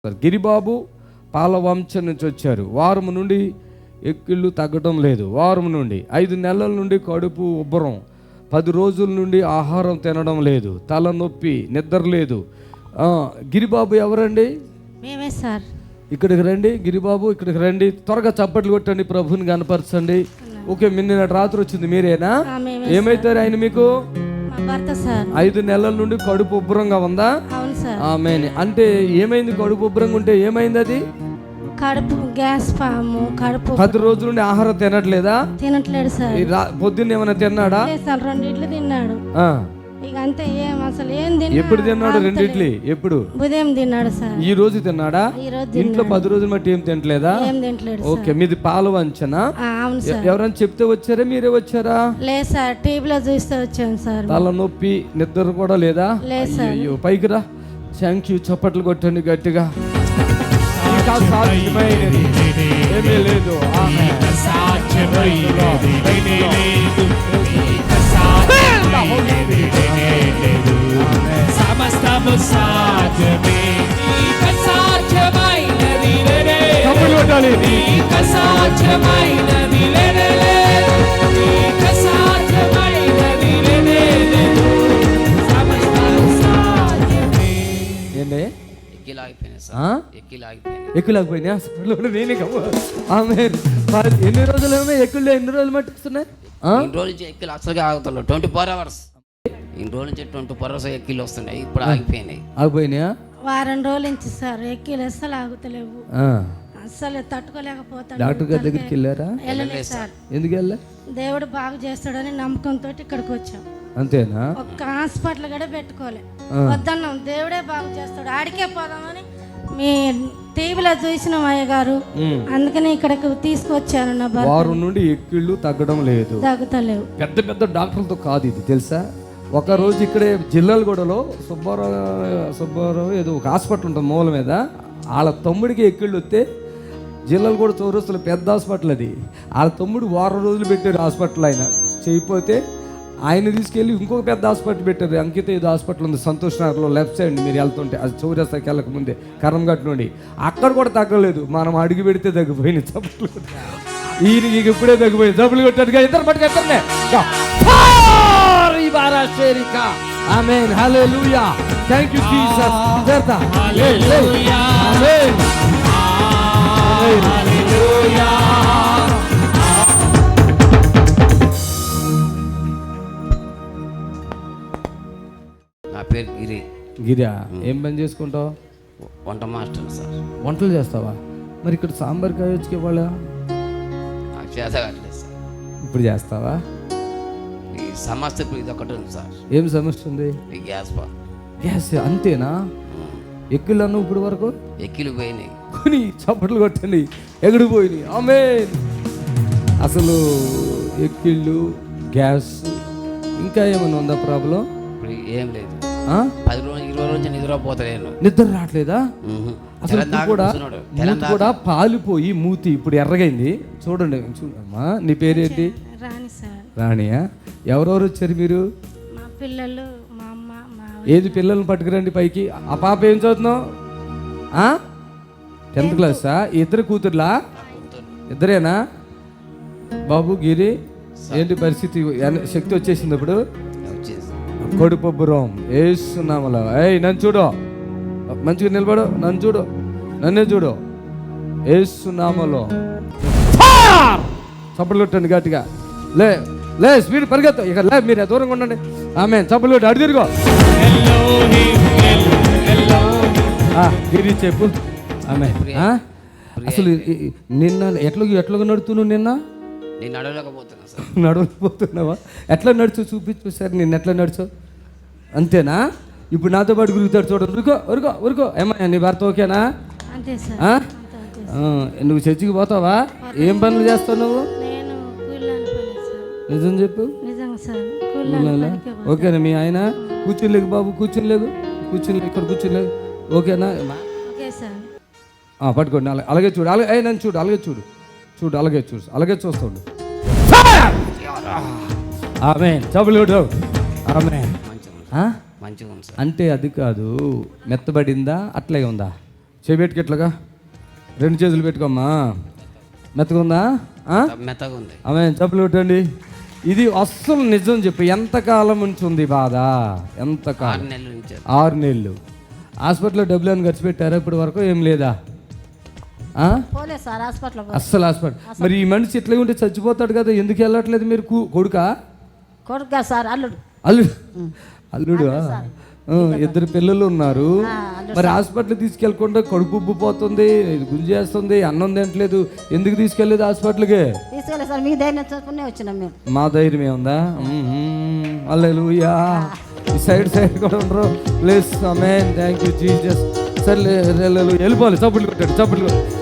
గిరిబాబు పాలవంశం నుంచి వచ్చారు. వారం నుండి ఎక్కిళ్ళు తగ్గడం లేదు. వారం నుండి 5 నెలల నుండి కడుపు ఉబ్బరం, 10 రోజుల నుండి ఆహారం తినడం లేదు, తలనొప్పి, నిద్ర లేదు. గిరిబాబు ఎవరండి? మేమే సార్. ఇక్కడికి రండి గిరిబాబు, ఇక్కడికి రండి. త్వరగా చప్పట్లు కొట్టండి, ప్రభుని కనపరచండి. ఓకే, నిన్న రాత్రి వచ్చింది మీరేనా? ఏమైతారు ఆయన మీకు? భర్త సార్. 5 నెలల నుండి కడుపు ఉబ్బరంగా ఉందా? అవును సార్. ఆమేన్. అంటే ఏమైంది? కడుపు ఉబ్బరంగా ఉంటే ఏమైంది? అది కడుపు గ్యాస్ ఫాము. కడుపు 10 రోజుల నుండి ఆహారం తినట్లేదా? తినట్లేదు సార్. పొద్దున్న ఏమైనా తిన్నాడా? సార్ 2 ఇడ్లు తిన్నాడు. ఇక అంతే, అసలు ఏం తిన్నా. ఎప్పుడు తిన్నాడు? 2 ఇడ్లీ. ఎప్పుడు? ఉదయం తిన్నాడు సార్. ఈ రోజు తిన్నాడా? ఇంట్లో 10 రోజులు బట్టి ఏం తినట్లేదా? ఏం తినట్లేదు. ఓకే, మీది పాలవంచనా? అవును సార్. ఎవరైనా చెప్తే వచ్చారా, మీరే వచ్చారా? లేదు సార్, టీవీలో చూస్తే వచ్చాను సార్. తల నొప్పి, నిద్ర కూడా లేదా? లేదు సార్. అయ్యో, పైకి రా. Thank you. చప్పట్లు కొట్టండి గట్టిగా. ఏమీ లేదు. సమస్తము సాధ్యమే, సాధ్యమైనది సాధ్యమైనది ఎక్కులాగిపోయినా నేనే ఎన్ని రోజులు ఎన్ని రోజులు మట్టుకున్నాయి? ఎక్కిలు అసలుగా ఆగుతున్నాయి. 24 hours ఇన్ని రోజుల నుంచి 24 hours ఎక్కిలు వస్తున్నాయి. ఇప్పుడు ఆగిపోయినాయా? వారం రోజుల నుంచి సార్ ఎక్కిలు అస్సలు ఆగుతలేవు. అస్సలు తట్టుకోలేకపోతాడు. డాక్టర్ గారి దగ్గరికి వెళ్ళారా? వెళ్ళలేదు సార్. ఎందుకు వెళ్ళా? దేవుడు బాగు చేస్తాడని నమ్మకంతో ఇక్కడికి వచ్చాం. అంతేనా? ఒక్క హాస్పిటల్ కూడా పెట్టుకోలే. వద్దన్నాం, దేవుడే బాగు చేస్తాడు, ఆడికే పోదామని మీ టీవీలో చూసిన అయ్య గారు, అందుకని ఇక్కడికి తీసుకొచ్చాను. నా వారం నుండి ఎక్కిళ్ళు తగ్గడం లేదు, తగ్గుతలేవు. పెద్ద పెద్ద డాక్టర్లతో కాదు ఇది, తెలుసా? ఒక రోజు ఇక్కడే జిల్లాలగూడలో సుబ్బారావు ఏదో ఒక హాస్పిటల్ ఉంటుంది మూల మీద, వాళ్ళ తమ్ముడికి ఎక్కిళ్ళు వస్తే జిల్లాలగూడ చౌరస్తులో పెద్ద హాస్పిటల్ అది. వాళ్ళ తమ్ముడు వారం రోజులు పెట్టారు హాస్పిటల్. ఆయన చేయకపోతే ఆయన తీసుకెళ్ళి ఇంకొక పెద్ద హాస్పిటల్ పెట్టారు. అంకిత ఏదో హాస్పిటల్ ఉంది సంతోష్ నగర్లో, లెఫ్ట్ సైడ్ మీరు వెళ్తుంటే, అది చౌరస్తాకి వెళ్ళక ముందే కరంఘట్ నుండి. అక్కడ కూడా తగ్గలేదు. మనం అడుగు పెడితే తగ్గిపోయింది చప్పట్లు. ఈయనకి ఇప్పుడే తగ్గిపోయింది. చప్పులు కొట్టాడుగా ఇద్దరు పట్టుకెళ్తానే. ఆమేన్, హల్లెలూయా, థాంక్యూ జీసస్. నా పేరు గిరా. ఏం పని చేసుకుంటావు? వంట మాస్టర్ సార్. వంటలు చేస్తావా? మరి ఇక్కడ సాంబార్ కాయొచ్చుకే వాళ్ళ చేతగట్లేదు సార్. ఇప్పుడు చేస్తావా? ఈ సమస్య ఇప్పుడు ఇది ఒకటి ఉంది సార్. ఏం సమస్య ఉంది? ఈ గ్యాస్ అంతేనా? ఎక్కిళ్ళు అన్న ఇప్పుడు వరకు ఎక్కిలు పోయినాయి. కొని చప్పట్లు కొట్టండి, ఎగుడు పోయినాయి. ఆమేన్. అసలు ఎక్కిళ్ళు, గ్యాస్, ఇంకా ఏమైనా ఉందా ప్రాబ్లం? ఇప్పుడు ఏం లేదు. 10 రోజులు 20 రోజులు నిద్రపోతలేను. నిద్ర రావట్లేదా? అసలు కూడా పాలిపోయి మూతి ఇప్పుడు ఎర్రగైంది. చూడండి, చూడమ్మా. నీ పేరేంటి? రాణి సార్. రాణియా? ఎవరెవరు వచ్చారు మీరు? మా పిల్లలు, మా అమ్మ, మా ఏది పిల్లల్ని పట్టుకురండి పైకి. ఆ పాప ఏం చదువుతున్నావు? 10th క్లాసా? ఇద్దరు కూతుర్లా? ఇద్దరేనా? బాబు గిరి, ఏంటి పరిస్థితి? శక్తి వచ్చేసింది ఇప్పుడు? కడుపుబ్బరం ఏసునామలో. నన్ను చూడు, మంచిగా నిలబడు, నన్ను చూడు, నన్నే చూడు. ఏసునామలో చప్పట్లు కొట్టండి గట్టిగా. లే స్పీడ్ పరిగెత్తు. ఇక లే, మీరు దూరంగా ఉండండి. ఆమేన్. చప్పట్లు కొట్టి అడు తిరుగు. గిరి చెప్పు. ఆమేన్. అసలు నిన్న ఎట్లా నడుతున్నావు? నిన్న నడవలేకపోతున్నావా? ఎట్లా నడుచు చూపించు సార్. నిన్న ఎట్లా నడుచు? అంతేనా? ఇప్పుడు నాతో పాటు గురుగుతాడు. చూడండి, ఉరుకో. ఏమయ్యా, నీ భర్త ఓకేనా? నువ్వు చర్చికి పోతావా? ఏం పనులు చేస్తావు నువ్వు? నిజం చెప్పు. ఓకేనా? మీ ఆయన కూర్చునిలేగు బాబు, కూర్చునిలేగు, ఇక్కడ కూర్చునిలేగు. ఓకేనా? పట్టుకోండి. అలాగే చూడు, నన్ను చూడు, అలాగే చూడు, అలాగే చూస్తాడు. ఆమేన్. చప్పట్లు. ఆమేన్. మంచిగా ఉంది సార్. అంటే అది కాదు, మెత్తబడిందా అట్లే ఉందా? చేపెట్టుకు ఇట్లాగా 2 చేతులు పెట్టుకోమ్మా. మెత్తగుందా? మెత్తగా ఉంది. ఆమె చప్పులు కొట్టండి. ఇది అస్సలు నిజం చెప్పు, ఎంతకాలం నుంచి ఉంది బాధ? ఎంతకాలం? 6 నెలల నుంచి. 6 నెలలు. హాస్పిటల్లో డబ్బులు అని ఖర్చు పెట్టారా ఇప్పటి వరకు? ఏం లేదా? పోలేదు సార్ హాస్పిటల్. అస్సలు హాస్పిటల్. మరి ఈ మనిషి ఇట్లా ఉంటే చచ్చిపోతాడు కదా, ఎందుకు వెళ్ళట్లేదు మీరు? కొడుకా? కొడుకా సార్, అల్లుడు. అల్లుడు. 2 పిల్లలు ఉన్నారు. మరి హాస్పిటల్ తీసుకెళ్ళకుండా కడుపు ఉబ్బిపోతుంది, గుంజేస్తుంది, అన్నం తినట్లేదు, ఎందుకు తీసుకెళ్ళలేదు హాస్పిటల్కి? తీసుకెళ్ళి సార్, మీ ధైర్యం చూసుకునే వచ్చినాం మేము. మా ధైర్యం ఏముందా? హల్లెలూయా. ఈ సైడ్ కూడా ఉండరు. Please amen. Thank you Jesus. సరే వెళ్ళిపోవాలి. చప్పులు కొట్టాడు, చప్పులు.